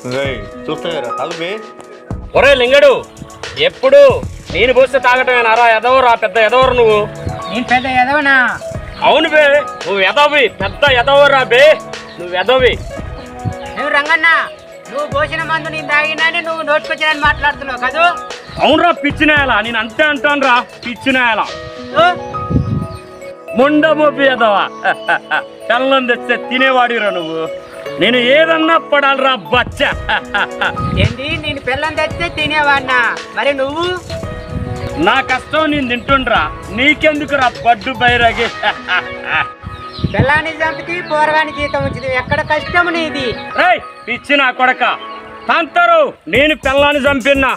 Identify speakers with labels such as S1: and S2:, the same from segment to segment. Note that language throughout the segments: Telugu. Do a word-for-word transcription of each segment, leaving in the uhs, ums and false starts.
S1: చూస్తారా తాగుబే.
S2: ఒరే లింగడు, ఎప్పుడు నేను పోస్తే తాగటమేనారా? ఎదవరా పెద్ద ఎదవరు నువ్వు.
S3: నేను పెద్ద ఎదవనా?
S2: అవును బే, నువ్వు ఎదవి, పెద్ద ఎదవరా బే, నువ్వు ఎదవి.
S3: నువ్వు రంగన్న, నువ్వు పోసిన మందు నేను తాగినాని నువ్వు నోటుకొచ్చినని మాట్లాడుతున్నావు కదా?
S2: అవునరా పిచ్చినాయాల, నేను అంతే అంటాను రా పిచ్చినాయాల. ముండమోపి ఎదవా, కళ్ళం తెస్తే తినేవాడిరా నువ్వు. నేను ఏదన్నా పడాలరా బచ్చ.
S3: ఏంటి నేను పిల్లని తెస్తే తినేవాడినా? మరి నువ్వు?
S2: నా కష్టం నేను తింటుండ్రా, నీకెందుకురా బడ్డు బైరాగి.
S3: పిల్లాన్ని చంపితే పోరగాని జీతం వచ్చింది, ఎక్కడ కష్టం నీది?
S2: రేయ్ పిచ్చి నా కొడక తంతరు, నేను పిల్లాన్ని చంపిన్నా.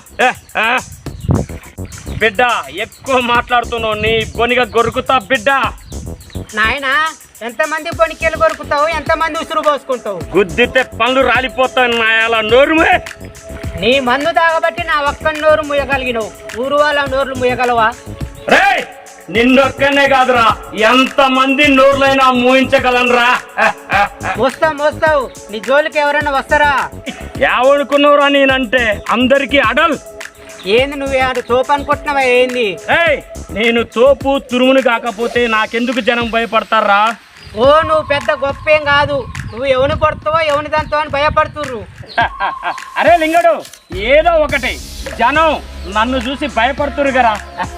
S2: బిడ్డ ఎక్కువ మాట్లాడుతున్నావు, నీ బొనిగా గొరుకుతా బిడ్డ.
S3: నాయన ఎంతమంది పొనికెళ్ళు కొరుకుతావు, ఎంతమంది ఉసురు పోసుకుంటావు?
S2: గుద్దితే పనులు రాలిపోతాయి నాయాల. నోరుమే,
S3: నీ మందు తాగబట్టి నా ఒక్క నోరు ముయ్యగలిగినవు, ఊరు వాళ్ళ నోర్లు ముయ్యగలవా?
S2: రే నిన్నొక్కనే కాదురా, ఎంత మంది నోర్లైనా మూయించగలనరా.
S3: మోస్తావు మోస్తావు, నీ జోలికి ఎవరైనా వస్తారా?
S2: ఏమనుకున్నావురా నేనంటే? అందరికీ అడల్.
S3: ఏంది నువ్వు ఆడు చోపు అనుకుంటున్నావా? ఏంది?
S2: ఏయ్ నేను తోపు తురుముని కాకపోతే నాకెందుకు జనం భయపడతారా?
S3: ఓ నువ్వు పెద్ద గొప్పేం కాదు, నువ్వు ఎవని పడుతావో ఎవని దాంతో అని భయపడుతుర్రు.
S2: అరే లింగడు, ఏదో ఒకటి, జనం నన్ను చూసి భయపడుతురు కదా.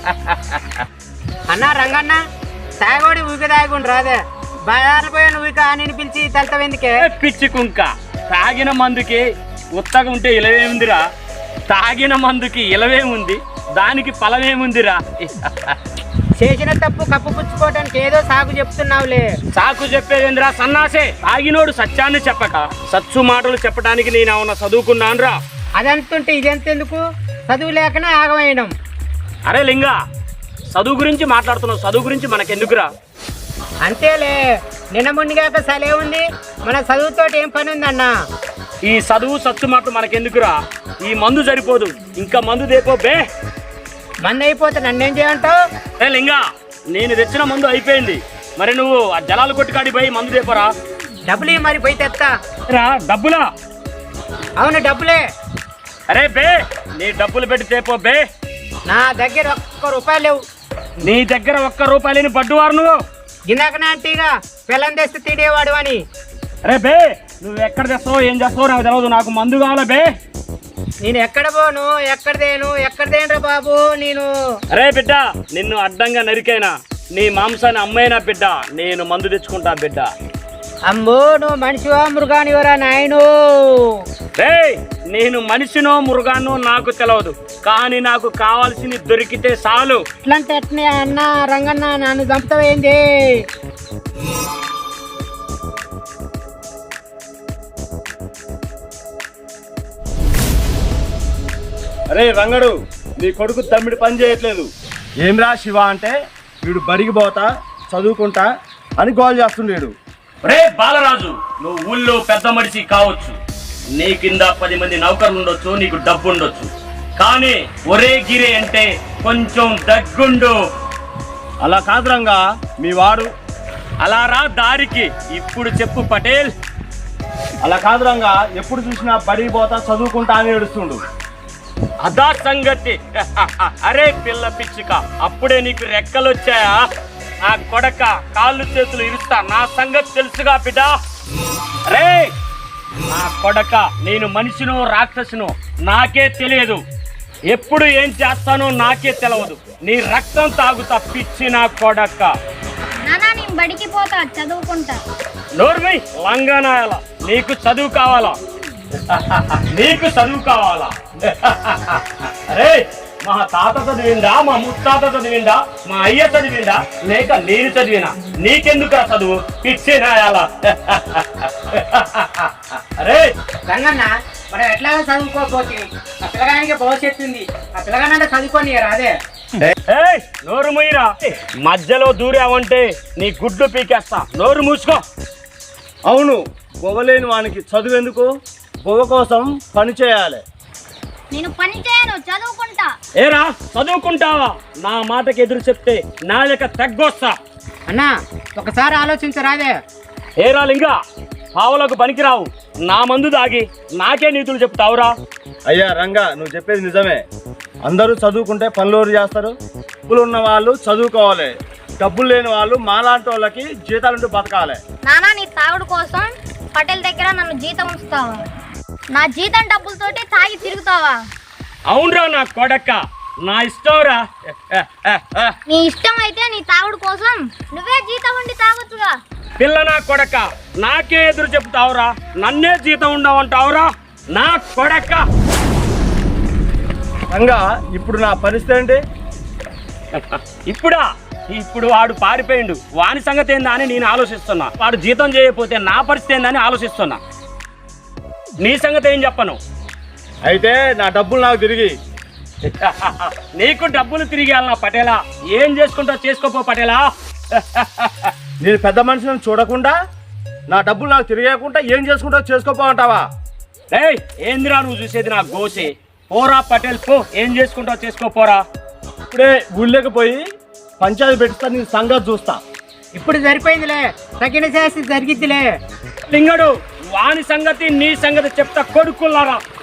S3: అన్నా రంగన్న, తాగోడి ఊకి తాగుండు రాదే, బయారిపోయా నువ్వు ఇక అని పిలిచి తలతవెందుకే?
S2: పిచ్చి కుంక, తాగిన మందుకి ఉత్తగా ఉంటే ఇలవేముందిరా, తాగిన మందుకి ఇలవేముంది, దానికి ఫలమేముందిరా.
S3: చేసిన తప్పు కప్పు పుచ్చుకోవడానికి ఏదో సాకు చెప్తున్నావులే.
S2: సాకు చెప్పేదేంద్రా సన్నాసే, తాగినోడు సత్యాన్ని చెప్పక సచ్చు మాటలు చెప్పడానికి నేను ఏమన్నా చదువుకున్నాను రా?
S3: అదంతుంటే ఇదెంతెందుకు, చదువు లేకనే ఆగమేయడం.
S2: అరే లింగా, చదువు గురించి మాట్లాడుతున్నావు, చదువు గురించి మనకెందుకురా?
S3: అంతేలే, నిన్న మునిగాక సలే ఉంది, మన చదువుతోటి ఏం పని ఉందన్నా?
S2: ఈ చదువు సచ్చు మాటలు మనకెందుకురా? ఈ మందు సరిపోదు, ఇంకా మందు దేపో బే.
S3: మందు అయిపోతే నన్నేం చేయమంటావు?
S2: ఏ లింగా, నేను తెచ్చిన మందు అయిపోయింది, మరి నువ్వు ఆ జలాలు కొట్టుకాడి పోయి మందు దేపరా.
S3: డబ్బులు మరి పోయి తెస్తా
S2: రా. డబ్బులా?
S3: అవును డబ్బులే.
S2: అరే బే, నీ డబ్బులు పెట్టి తేపో బే.
S3: నా దగ్గర ఒక్క రూపాయలు లేవు.
S2: నీ దగ్గర ఒక్క రూపాయలేని బడ్డువారు నువ్వు.
S3: ఇందాకనే అంటీగా పిల్లం తెస్తే తిడేవాడు అని.
S2: అరే బే, నువ్వు ఎక్కడ తెస్తావో ఏం చేస్తావో నాకు తెలియదు, నాకు మందు కావాలా బే.
S3: నేను ఎక్కడ పోను, ఎక్కడదేను ఎక్కడదేనరా బాబు నేను.
S2: అరే బిడ్డ, నిన్ను అడ్డంగా నరికైనా నీ మాంసాన్ని అమ్మైనా బిడ్డ, నేను మందు తెచ్చుకుంటా బిడ్డ.
S3: అమ్మో, నువ్వు మనిషివా మృగానివరా నాయను?
S2: రే నేను మనిషినో మృగానో నాకు తెలియదు, కానీ నాకు కావాల్సింది దొరికితే చాలు.
S3: ఇట్లాంటి ఎట్నే అన్న రంగన్న, నన్ను చంపుతావేంది?
S1: అరే రంగడు, నీ కొడుకు తమ్మిడి పని చేయట్లేదు. ఏమిరా శివ అంటే వీడు బడికి పోతా చదువుకుంటా అని గోల్ చేస్తుండేడు.
S2: రే బాలరాజు, నువ్వు ఊళ్ళో పెద్ద మనిషి కావచ్చు, నీ కింద పది మంది నౌకర్లు ఉండొచ్చు, నీకు డబ్బు ఉండొచ్చు, కానీ ఒరే గిరే అంటే కొంచెం దగ్గుండు.
S1: అలా కాదు రంగా, మీ వాడు
S2: అలా రా దారికి. ఇప్పుడు చెప్పు పటేల్.
S1: అలా కాదు రంగా, ఎప్పుడు చూసినా బడికి పోతా చదువుకుంటా అని ఏడుస్తుండు.
S2: అదా సంగతి. అరే పిల్ల పిచ్చుక, అప్పుడే నీకు రెక్కలు వచ్చాయా? నా కొడక కాళ్ళు చేతులు ఇరుస్తా, నా సంగతి తెలుసుగా బిడ్డ. రే నా కొడక, నేను మనిషినో రాక్షసునో నాకే తెలియదు, ఎప్పుడు ఏం చేస్తానో నాకే తెలియదు, నీ రక్తం తాగుతా పిచ్చి నా కొడక.
S4: నానా నేను బడికి పోతా, చదువుకుంటా.
S2: నోర్మై లంగానాయాల, నీకు చదువు కావాలా? నీకు చదువు కావాలా? అరే మా తాత చదివిందా, మా ముత్తాత చదివిందా, మా అయ్య చదివిందా, లేక నేను చదివినా? నీకెందుకు చదువు పిచ్చి నాయాల? అరే
S3: రంగన్న, మనం ఎట్లా చదువుకోకపోతే ఆ పిల్లగానికి భవిష్యత్తు ఉంది, ఆ పిల్లగానంటే చదువుకొని రాదే.
S2: నోరు మూయిరా, మధ్యలో దూరావంటే నీ గుడ్డు పీకేస్తా, నోరు మూసుకో.
S1: అవును, బొవ్వలేని వానికి చదువు ఎందుకు? బొవ్వ కోసం పని చేయాలి.
S4: నేను పని చేయను, చదువుకుంటా.
S2: ఏరా చదువుకుంటావా? నా మాటకి ఎదురు చెప్తే నా లెక్క తగ్గొస్తా.
S3: అన్నా ఒకసారి ఆలోచించరాదే.
S2: ఏరా లింగా, పావులకు పనికిరావు, నా మందు దాగి నాకే నీతులు చెప్తావురా?
S1: అయ్యా రంగా, నువ్వు చెప్పేది నిజమే. అందరూ చదువుకుంటే పనులు చేస్తారు. డబ్బులు ఉన్న వాళ్ళు చదువుకోవాలి, డబ్బులు లేని వాళ్ళు మాలాంటి వాళ్ళకి జీతాలుంటూ బతకాలి.
S4: నానా నీ తాగుడు కోసం పటేల్ దగ్గర నన్ను జీతం ఉంచుతావా? నా జీతం డబ్బులతోటి తాగి తిరుగుతావా?
S2: అవునరా నా కొడక, నా ఇష్టంరా.
S4: నీ ఇష్టం అయితే నీ తాగుడు కోసం నువ్వే జీతం ఉండి తాగొచ్చుగా.
S2: పిల్ల నా కొడక, నాకే ఎదురు చెప్తావురా? నన్నే జీతం ఉండవంటావురా నా కొడక?
S1: రంగా, ఇప్పుడు నా పరిస్థితి ఏంటి?
S2: ఇప్పుడా? ఇప్పుడు వాడు పారిపోయిండు, వాని సంగతి ఏందా అని నేను ఆలోచిస్తున్నా. వాడు జీతం చేయకపోతే నా పరిస్థితి ఏందని ఆలోచిస్తున్నా. నీ సంగతి ఏం చెప్పను.
S1: అయితే నా డబ్బులు నాకు తిరిగి.
S2: నీకు డబ్బులు తిరిగి నా పటేలా. ఏం చేసుకుంటావు చేసుకోపో పటేలా.
S1: నేను పెద్ద మనిషిని చూడకుండా నా డబ్బులు నాకు తిరిగేయకుండా ఏం చేసుకుంటావు చేసుకోపోమంటావా?
S2: ఏయ్, ఏందిరా నువ్వు చూసేది? నా గోసే. పోరా పటేల్ పో, ఏం చేసుకుంటావు చేసుకోపోరా.
S1: ఇప్పుడే గుళ్ళకి పోయి పంచాయతీ పెట్టిస్తా, నీ సంగతి చూస్తా.
S3: ఇప్పుడు సరిపోయిందిలే, తగిన శాస్తి జరిగిద్దిలే.
S2: లింగడు, వాని సంగతి నీ సంగతి చెప్తా కొడుకున్నారా.